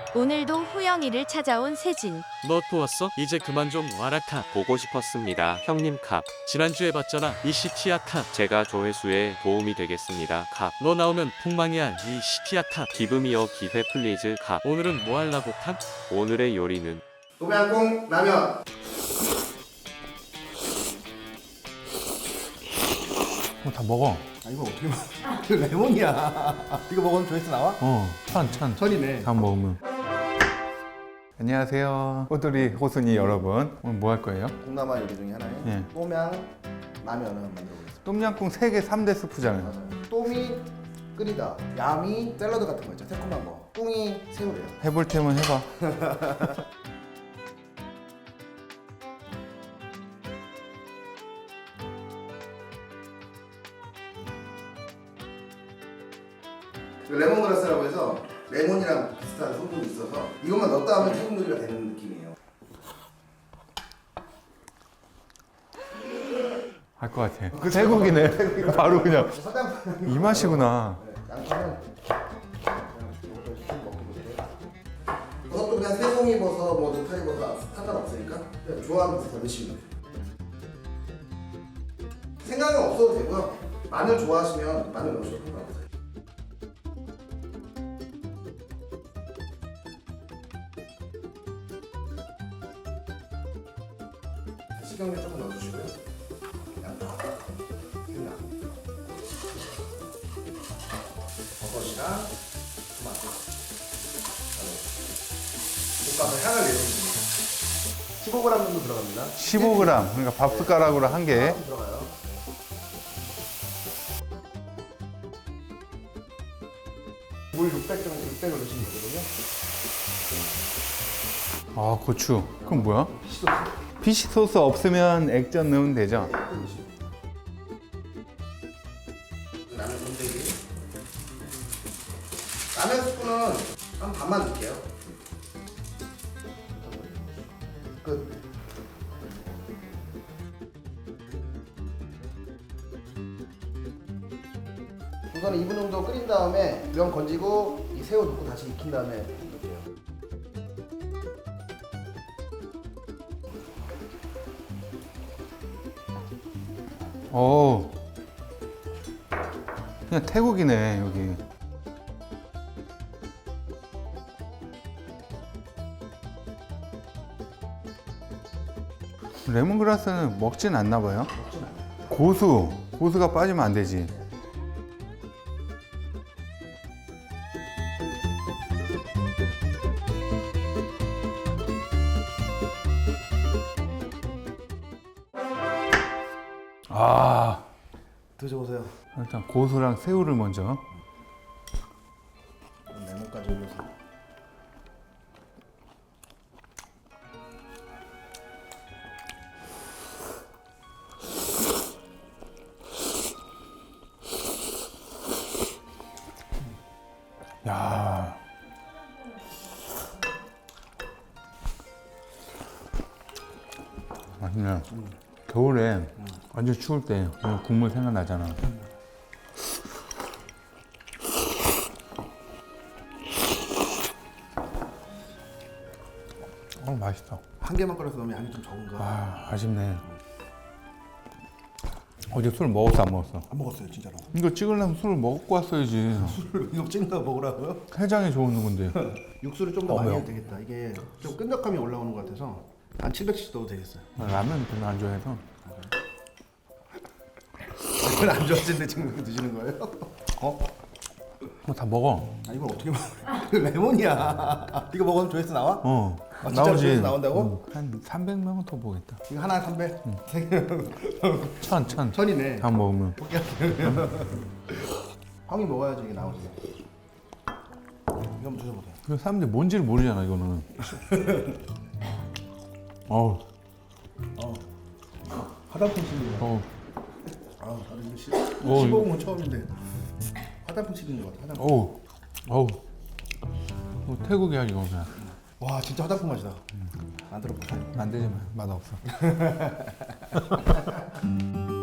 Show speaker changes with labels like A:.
A: 오늘도 후영이를 찾아온 세진.
B: 너 또 왔어? 이제 그만 좀 와라 카.
C: 보고 싶었습니다. 형님 캅.
B: 지난주에 봤잖아 이 시티야 카.
C: 제가 조회수에 도움이 되겠습니다. 캅.
B: 너 나오면 폭망이야 이 시티야 카.
C: 기브미어 기회 플리즈 캅.
B: 오늘은 뭐 할라고 카?
C: 오늘의 요리는
D: 도매한콩 라면.
E: 다 먹어.
D: 아 이거 어떻게 먹어? 이거 레몬이야. 이거 먹으면 조회수 나와?
E: 찬.
D: 천이네.
E: 다 먹으면. 안녕하세요. 호돌이 호순이 여러분. 오늘 뭐 할 거예요?
D: 동남아 요리 중에 하나에
E: 예.
D: 똠양 라면을 만들어 보겠습니다.
E: 똠양꿍 3개 3대 스프잖아요.
D: 맞아요. 똠이 끓이다, 얌이 샐러드 같은 거 있죠. 새콤한 거. 꿍이 새우래요.
E: 해볼 테면 해봐.
D: 레몬그라스라고 해서 레몬이랑 비슷한 성분이 있어서 이것만 넣었다 하면 태국 요리가 되는 느낌이에요.
E: 할 것 같아. 태국이네. 바로 그냥
D: 화장품
E: 이 맛이구나.
D: 양파는 이것도 그냥 새송이버섯, 뭐 느타리버섯 상관없으니까 그냥 좋아하는 버섯 넣으시면 돼요. 생강은 없어도 되고요. 마늘 좋아하시면 마늘 넣으셔도 상관없어요. 식용유 조금 넣어주시고요. 양파, 생강, 버섯이랑 토마토, 볶아서 향을 내줍니다. 15g 정도 들어갑니다.
E: 15g. 그러니까 밥 숟가락으로 한 개.
D: 들어가요. 물 600 정도, 600을 넣으시면 되거든요.
E: 아, 고추. 그럼 뭐야?
D: 피시소스.
E: 피시 소스 없으면 액젓 넣으면 되죠?
D: 라면 건더기. 라면 스프는 한 반만 넣을게요. 끝. 우선 2분 정도 끓인 다음에 면 건지고 이 새우 넣고 다시 익힌 다음에 넣을게요.
E: 오. 그냥 태국이네, 여기. 레몬그라스는 먹진 않나 봐요.
D: 먹진 않아요.
E: 고수가 빠지면 안 되지. 아,
D: 드셔보세요.
E: 일단 고수랑 새우를 먼저.
D: 레몬까지 올려서.
E: 야, 맛있네. 겨울에 완전 추울 때 국물 생각나잖아. 맛있다.
D: 한 개만 끓여서 넣으면 양이 좀 적은가?
E: 아, 아쉽네. 어제 술 먹었어, 안 먹었어?
D: 안 먹었어요, 진짜로.
E: 이거 찍으려면 술을 먹고 왔어야지.
D: 술을 이거 찍는 거 먹으라고요?
E: 해장에 좋은 건데.
D: 육수를 좀 더 많이
E: 매워.
D: 해도 되겠다. 이게 좀 끈적함이 올라오는 것 같아서 한 700cc 넣어도 되겠어요.
E: 라면 별로 안 좋아해서.
D: 이걸 안 좋아하시는데 지금 이렇게 드시는 거예요? 어?
E: 뭐 다 먹어.
D: 아 이걸 어떻게 먹어? 이거 레몬이야. 이거 먹으면 조회수 나와? 아, 진짜로
E: 나오지.
D: 조회수 나온다고?
E: 한 300명은 더 보겠다.
D: 이거 하나 300?
E: 천.
D: 천이네.
E: 다 먹으면.
D: 형이 먹어야지 이게 나오지. 이거 한번 드셔보세요.
E: 그 사람들이 뭔지를 모르잖아, 이거는. 어우,
D: 화장품 씹는 거.
E: 어우.
D: 아, 나도 이거
E: 어,
D: 씹어본 건 처음인데 화장품 씹는 거 같아. 화장품.
E: 어우. 태국이야, 이거 그냥.
D: 와, 진짜 화장품 맛이다. 안 들어볼까요?
E: 안 되지, 맛 없어.